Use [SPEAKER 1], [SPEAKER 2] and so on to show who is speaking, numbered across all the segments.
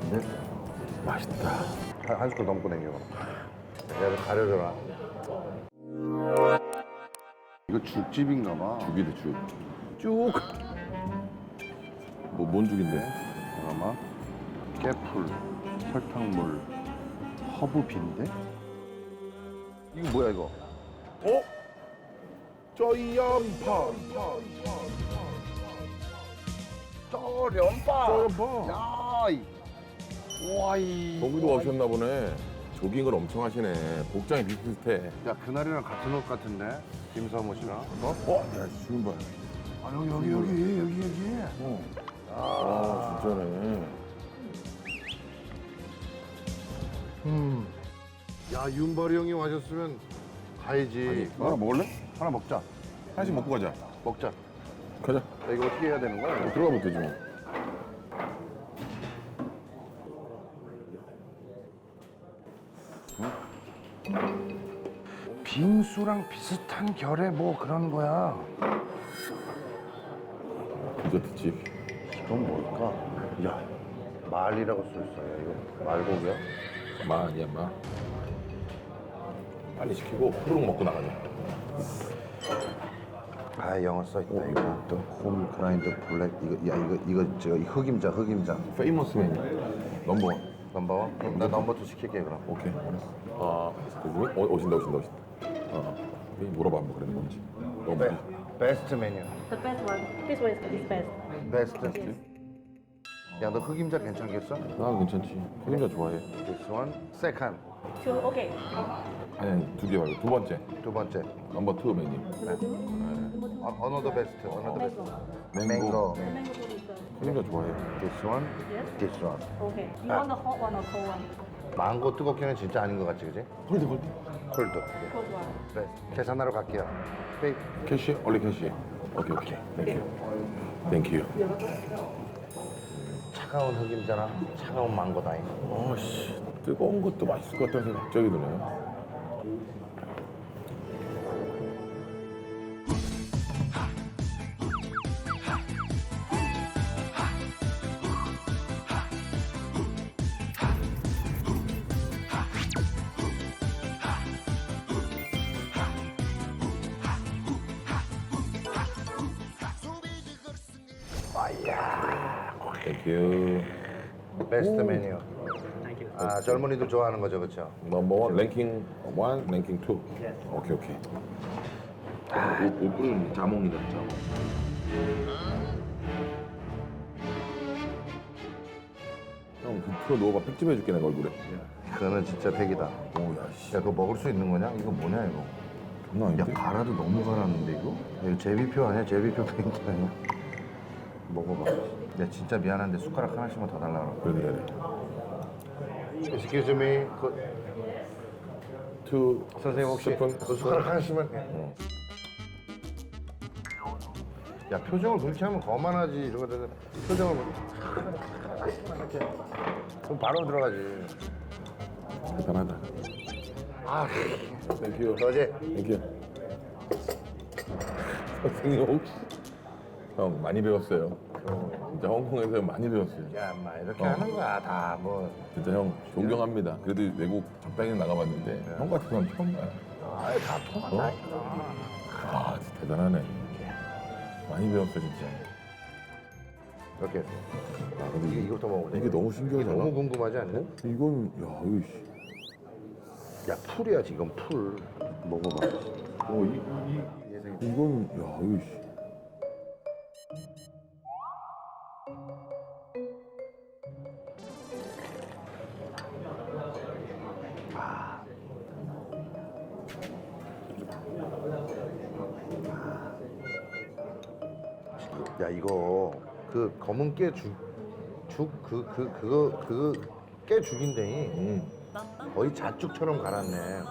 [SPEAKER 1] 맛있는데?
[SPEAKER 2] 맛있다.
[SPEAKER 1] 한 숟갈 넘고 댕겨. 내가 가려줘라. 이거 죽집인가 봐.
[SPEAKER 2] 죽이네, 죽.
[SPEAKER 1] 쭉.
[SPEAKER 2] 뭔 죽인데?
[SPEAKER 1] 잠깐만. 깨풀, 설탕물, 허브빈데? 이거 뭐야 이거?
[SPEAKER 2] 어? 저염파.
[SPEAKER 1] 쩌련파. 야, 와이.
[SPEAKER 2] 거기도 오셨나 보네. 조깅을 엄청 하시네. 복장이 비슷비슷해.
[SPEAKER 1] 야 그날이랑 같은 옷 같은데? 김서모 씨랑.
[SPEAKER 2] 야, 지금 봐.
[SPEAKER 1] 아 여기.
[SPEAKER 2] 아, 진짜네.
[SPEAKER 1] 야 윤발이 형이 와줬으면 가야지. 하나 먹을래? 하나 먹자.
[SPEAKER 2] 하나씩 먹고 가자.
[SPEAKER 1] 먹자.
[SPEAKER 2] 가자.
[SPEAKER 1] 야, 이거 어떻게 해야 되는 거야?
[SPEAKER 2] 들어가면 되지 뭐.
[SPEAKER 1] 빙수랑 비슷한 결의 뭐 그런 거야.
[SPEAKER 2] 디저트집.
[SPEAKER 1] 이건 뭘까? 야 말이라고 써 있어요. 이거 말고기야?
[SPEAKER 2] 마 아니야, 마. 빨리 시키고 후루룩 먹고 나가자.
[SPEAKER 1] 아 영어 써 있다. 이거 홈 그라인드 블랙 이거 저 흑임자.
[SPEAKER 2] 페이머스 메뉴. 넘버원.
[SPEAKER 1] 넘버원? 그럼 나 넘버 2 시킬게 그럼.
[SPEAKER 2] 오케이, 알았어. 아, 그분이? 오신다. 물어봐, 한번 그래, 뭔지. 너무 많이.
[SPEAKER 1] 베스트 메뉴.
[SPEAKER 3] The best one. This one is best.
[SPEAKER 1] 베스트. 야 너 흑임자 괜찮겠어?
[SPEAKER 2] 나 괜찮지. 흑임자 좋아해.
[SPEAKER 1] This one. Second.
[SPEAKER 3] Two. Okay.
[SPEAKER 2] 아니, 두 개 말고 두 번째.
[SPEAKER 1] 두 번째.
[SPEAKER 2] 넘버 투 메뉴.
[SPEAKER 1] Another best. Another best.
[SPEAKER 3] Mango.
[SPEAKER 1] Mango.
[SPEAKER 3] The mango food is good.
[SPEAKER 2] 흑임자 좋아해.
[SPEAKER 1] This one.
[SPEAKER 3] Yes.
[SPEAKER 1] This one.
[SPEAKER 3] Okay. You want the hot one or cold one?
[SPEAKER 1] 망고 뜨겁게는 진짜 아닌 것 같지 그지?
[SPEAKER 2] 홀드.
[SPEAKER 1] 콜드.
[SPEAKER 3] Cold one.
[SPEAKER 1] 네. 계산하러 갈게요. 페이.
[SPEAKER 2] 캐시? 원래 캐시. 오케이. 땡큐.
[SPEAKER 1] 차가운 흑임자랑 차가운 망고다잉.
[SPEAKER 2] 아씨, 뜨거운 것도 맛있을 것 같다는 생각이 갑자기 드네. 땡큐.
[SPEAKER 1] 베스트 메뉴. 아 젊은이들 좋아하는 거죠, 그렇죠?
[SPEAKER 2] 넘버 원, 랭킹 1, 랭킹 2. 오케이. 옷은 자몽이다, 자몽. 형, 그 풀어 넣어봐. 팩집 해줄게, 내가 얼굴에.
[SPEAKER 1] 그거는 진짜 팩이다.
[SPEAKER 2] 오야, 씨.
[SPEAKER 1] 야, 그거 먹을 수 있는 거냐? 이거 뭐냐 이거?
[SPEAKER 2] 장난
[SPEAKER 1] 야,
[SPEAKER 2] 아닌데?
[SPEAKER 1] 갈아도 너무 갈았는데 이거? 이거 제비표 아니야? 제비표 페인트 아니야? 먹어봐. 야, 진짜 미안한데 숟가락 하나씩만 더 달라 그래.
[SPEAKER 2] 그래.
[SPEAKER 1] Excuse me.
[SPEAKER 2] 투
[SPEAKER 1] 선생님 혹시
[SPEAKER 2] 스푼?
[SPEAKER 1] 그 숟가락 하나씩만. 야, 표정을 그렇게 하면 거만하지. 이러거든. 표정을 이렇게. 그럼 바로 들어가지.
[SPEAKER 2] 대단하다.
[SPEAKER 1] 아,
[SPEAKER 2] 땡큐.
[SPEAKER 1] 너지?
[SPEAKER 2] 땡큐. 선생님 혹시 형 많이 배웠어요. 진짜 홍콩에서 많이 배웠어요.
[SPEAKER 1] 야, 인마 이렇게 하는 거야 다 뭐.
[SPEAKER 2] 진짜 형 존경합니다. 그래도 외국 적당히 나가봤는데 형 같은 사람 처음 봐요.
[SPEAKER 1] 아이 다 통한다니까.
[SPEAKER 2] 아 진짜 대단하네. 많이 배웠어 진짜.
[SPEAKER 1] 이렇게.
[SPEAKER 2] 아, 근데
[SPEAKER 1] 이거부터 먹어보자.
[SPEAKER 2] 이게 너무 신기하잖아.
[SPEAKER 1] 너무 궁금하지 않냐?
[SPEAKER 2] 이건 야 이거 씨.
[SPEAKER 1] 야, 풀이야 지금 풀. 먹어봐.
[SPEAKER 2] 이건 야 이거 씨.
[SPEAKER 1] 야, 이거 그 검은 깨 그거 깨 죽인데 거의 잣죽처럼 갈았네.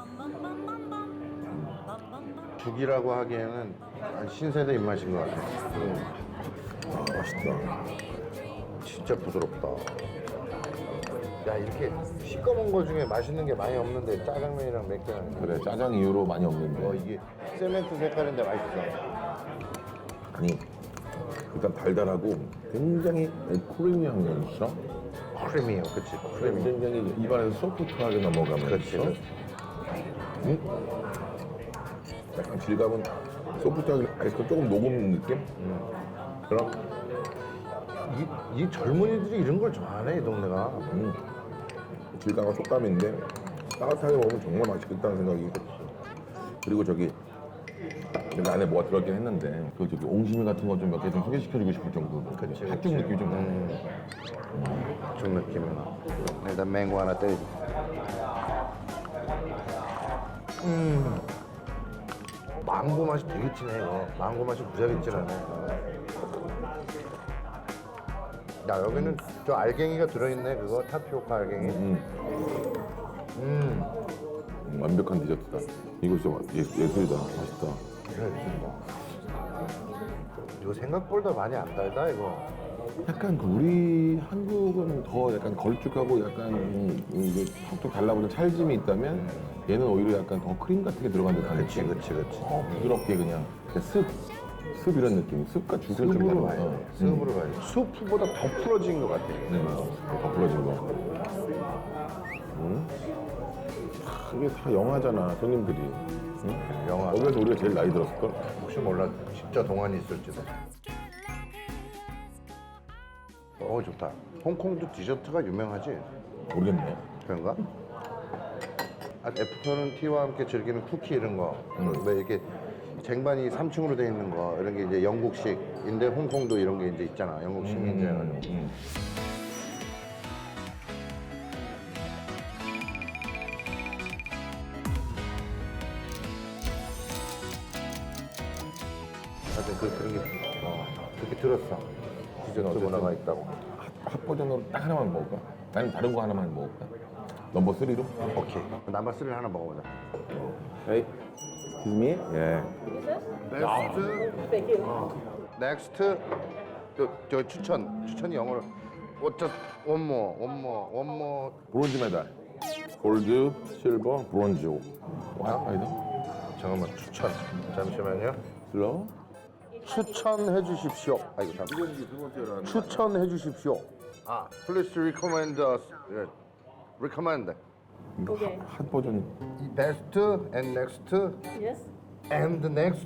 [SPEAKER 1] 죽이라고 하기에는 신세대 입맛인 것 같아.
[SPEAKER 2] 아 맛있다.
[SPEAKER 1] 진짜 부드럽다. 야, 이렇게 시꺼먼 거 중에 맛있는 게 많이 없는데 짜장면이랑 맥주랑.
[SPEAKER 2] 그래 짜장 이후로 많이 없는데.
[SPEAKER 1] 이게 세멘트 색깔인데 맛있어.
[SPEAKER 2] 아니 일단 달달하고 굉장히 크리미한 게 있어. 아
[SPEAKER 1] 크리미해요. 그치? 크리미.
[SPEAKER 2] 굉장히 입안에서 소프트하게 넘어가면서
[SPEAKER 1] 그렇지.
[SPEAKER 2] 약간 질감은 소프트하게 아이스크림 조금 녹은 느낌? 그럼
[SPEAKER 1] 이 젊은이들이 이런 걸 좋아하네, 이 동네가.
[SPEAKER 2] 질감과 촉감인데 따뜻하게 먹으면 정말 맛있겠다는 생각이. 그리고 저기 근데 안에 뭐가 들어있긴 했는데 그 저기 옹심이 같은 거 좀 몇 개 좀 소개시켜주고 싶을 정도로 팥죽 느낌이 좀 나네.
[SPEAKER 1] 좀 느낌이 나. 일단 맹고 하나 때리고. 망고 맛이 되게 진해, 이거. 망고 맛이 무지하게 진하네. 야, 여기는 저 알갱이가 들어있네, 그거. 타피오카 알갱이.
[SPEAKER 2] 완벽한 디저트다. 이거 진짜 예술이다. 맛있다.
[SPEAKER 1] 이거 생각보다 많이 안 달다, 이거.
[SPEAKER 2] 약간 그 우리 한국은 더 약간 걸쭉하고 약간 이게 톡톡 달라붙는 찰짐이 있다면 얘는 오히려 약간 더 크림 같은 게 들어간 듯한
[SPEAKER 1] 그치,
[SPEAKER 2] 느낌.
[SPEAKER 1] 그치, 그치.
[SPEAKER 2] 부드럽게 그냥 습 이런 느낌. 습과 죽을 좀
[SPEAKER 1] 습으로
[SPEAKER 2] 닮아.
[SPEAKER 1] 가야 돼. 습으로 가야 돼. 수프보다 더 풀어진 것 같아.
[SPEAKER 2] 더 풀어진 거. 이게 다 영화잖아, 손님들이. 응?
[SPEAKER 1] 영화.
[SPEAKER 2] 거기서 우리가 제일 나이 들었을걸?
[SPEAKER 1] 혹시 몰라, 진짜 동안이 있을지도. 좋다. 홍콩도 디저트가 유명하지?
[SPEAKER 2] 모르겠네.
[SPEAKER 1] 그런가? 애프터는 티와 함께 즐기는 쿠키 이런 거. 왜 이렇게 쟁반이 3층으로 돼 있는 거 이런 게 이제 영국식인데 홍콩도 이런 게 이제 있잖아. 영국 식민지여가지고. 하여튼 그런 게 그렇게 들었어. 디저트 문화가 있다고.
[SPEAKER 2] 핫 버전으로 딱 하나만 먹을까? 나는 다른 거 하나만 먹을까? 넘버 3로?
[SPEAKER 1] 오케이. 남바스를 하나 먹어보자.
[SPEAKER 2] Hey, excuse me? 예.
[SPEAKER 1] 넥스트.
[SPEAKER 3] Thank you.
[SPEAKER 1] 넥스트. 저 추천이 영어로. Just one more.
[SPEAKER 2] 브론즈 메달. 골드, 실버, 브론즈. 와, 아니다.
[SPEAKER 1] 잠깐만 추천. 잠시만요.
[SPEAKER 2] 슬로우?
[SPEAKER 1] 추천해 주십시오. 아이고 잠. 추천해 주십시오. Please recommend us. recommend.
[SPEAKER 3] Okay.
[SPEAKER 2] 핫 버전.
[SPEAKER 1] Best and next
[SPEAKER 3] Yes.
[SPEAKER 1] and next.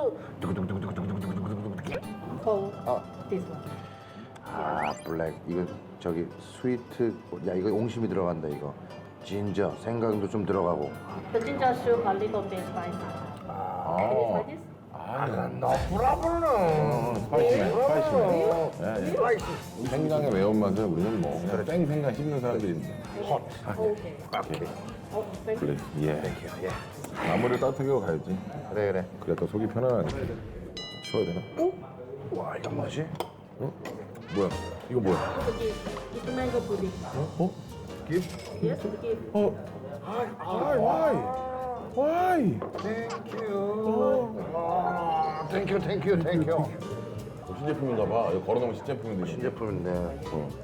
[SPEAKER 3] Cold. This one.
[SPEAKER 1] 블랙. 이거 저기 스위트. 야 이거 옹심이 들어간다 이거. 진저 생강도 좀 들어가고.
[SPEAKER 3] The ginger soup a little bit spicy. Can you try this?
[SPEAKER 1] 너 브라보는.
[SPEAKER 2] 스파이시네. 스파이시. 생강의 매운맛을 우리는 뭐 그냥 생 생강 씹는 사람들인데.
[SPEAKER 3] Okay.
[SPEAKER 1] 오케이.
[SPEAKER 3] Oh, thank you.
[SPEAKER 2] 그래. 예.
[SPEAKER 1] 예.
[SPEAKER 2] 나무를 따뜻하게 하고 가야지.
[SPEAKER 1] 그래.
[SPEAKER 2] 그래 또 속이 편안하니까. 치워야 되나?
[SPEAKER 1] 와 이거 뭐지?
[SPEAKER 2] 뭐야? 이거 뭐야?
[SPEAKER 3] It's a gift. It's mango pudding.
[SPEAKER 2] 어?
[SPEAKER 1] 깁?
[SPEAKER 3] Yes, the gift.
[SPEAKER 2] 어? Why?
[SPEAKER 1] 땡큐.
[SPEAKER 2] 신제품인가 봐. 이거 걸어놓으면 신제품인데.
[SPEAKER 1] 신제품인데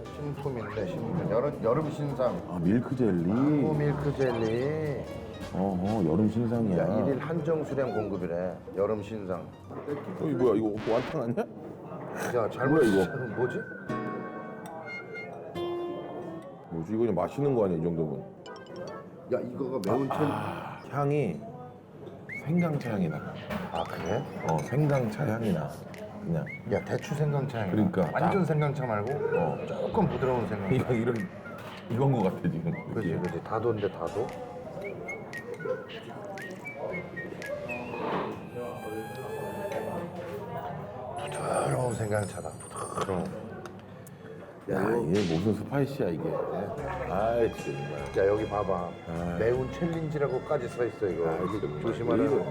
[SPEAKER 1] 신품. 여름 신상.
[SPEAKER 2] 아 밀크 젤리.
[SPEAKER 1] 밀크 젤리.
[SPEAKER 2] 여름 신상이야.
[SPEAKER 1] 야, 1일 한정 수량 공급이래. 여름 신상.
[SPEAKER 2] 이거 뭐야? 이거 완탕 아니야?
[SPEAKER 1] 야, 잘못
[SPEAKER 2] 뭐야, 이거?
[SPEAKER 1] 뭐지?
[SPEAKER 2] 뭐지? 이거 그냥 마시는 거 아니야 이 정도면?
[SPEAKER 1] 야, 이거가 매운 첼리.
[SPEAKER 2] 향이 생강차 향이 나.
[SPEAKER 1] 그래?
[SPEAKER 2] 생강차 향이 나. 그냥
[SPEAKER 1] 야, 대추 생강차.
[SPEAKER 2] 그러니까
[SPEAKER 1] 완전
[SPEAKER 2] 딱.
[SPEAKER 1] 생강차 말고 조금 부드러운 생강차.
[SPEAKER 2] 이건 거 같아 지금.
[SPEAKER 1] 그렇지. 다도인데 다도. 부드러운 생강차다. 부드러운.
[SPEAKER 2] 야 이게 무슨 스파이시야 이게. 아이 정말.
[SPEAKER 1] 야, 여기 봐봐. 매운 챌린지라고까지 써 있어 이거. 이거 조심하라. 이거.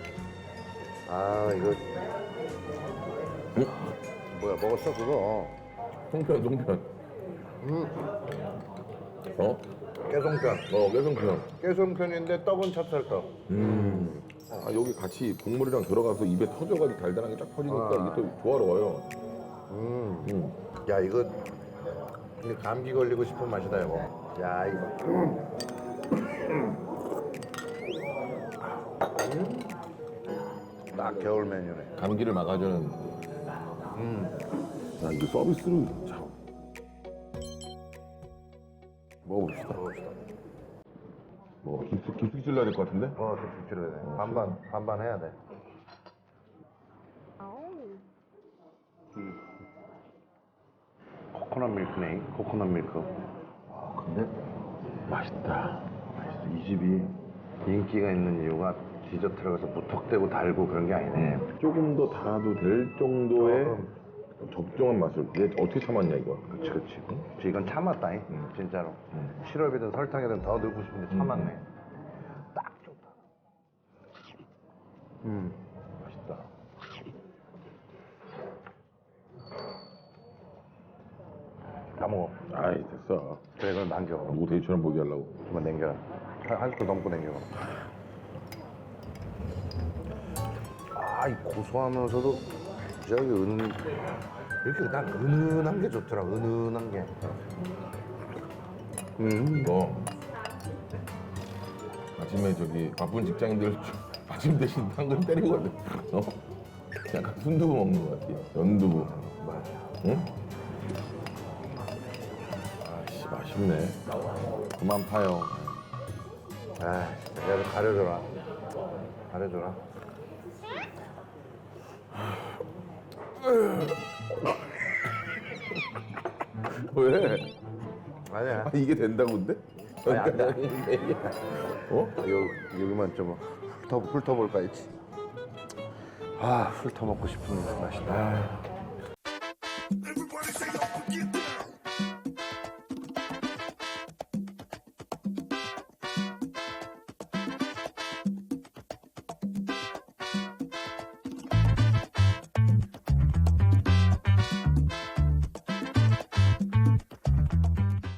[SPEAKER 1] 뭐야, 먹었어 그거?
[SPEAKER 2] 송편.
[SPEAKER 1] 깨송편.
[SPEAKER 2] 깨송편.
[SPEAKER 1] 깨송편인데 떡은 찹쌀떡.
[SPEAKER 2] 여기 같이 국물이랑 들어가서 입에 터져가지고 달달하게 쫙 퍼지니까 이게 또 조화로워요.
[SPEAKER 1] 야, 이거 근데 감기 걸리고 싶은 맛이다 이거. 야, 이거. 딱 겨울 메뉴네.
[SPEAKER 2] 감기를 막아주는. 야 이거 서비스로 참. 먹어봅시다. 뭐 깊숙이 찔러야 될 것 같은데?
[SPEAKER 1] 깊숙이 찔러야 돼. 반반 해야 돼. 코코넛 밀크네. 코코넛 밀크.
[SPEAKER 2] 근데 맛있다.
[SPEAKER 1] 맛있어. 이 집이 인기가 있는 이유가 디저트라고 해서 무턱대고 달고 그런 게 아니네.
[SPEAKER 2] 조금 더 달아도 될 정도의 적정한 맛을. 얘 어떻게 참았냐 이거.
[SPEAKER 1] 그치. 이건 참았다잉. 진짜로. 시럽이든 설탕이든 더 넣고 싶은데 참았네. 딱 좋다. 맛있다. 다 먹어.
[SPEAKER 2] 아이 됐어.
[SPEAKER 1] 그래, 이건 남겨.
[SPEAKER 2] 누구 데이처럼 보게 하려고.
[SPEAKER 1] 좀만 남겨라. 한 숟갈 넘고 남겨. 이 고소하면서도 저기 이렇게 난 은은한 게 좋더라. 은은한 게.
[SPEAKER 2] 이거 아침에 저기 바쁜 직장인들 아침 대신 당근 때리거든. 약간 순두부 먹는 것 같아. 연두부.
[SPEAKER 1] 맞아.
[SPEAKER 2] 응? 아씨 맛있네. 그만 파요.
[SPEAKER 1] 진짜. 야, 가려줘라. 가려줘라.
[SPEAKER 2] 왜?
[SPEAKER 1] 아니야.
[SPEAKER 2] 이게 된다고 근데?
[SPEAKER 1] 아니, 안 돼.
[SPEAKER 2] 어?
[SPEAKER 1] 여기만 좀 훑어볼까 했지. 훑어먹고 싶은 맛이다.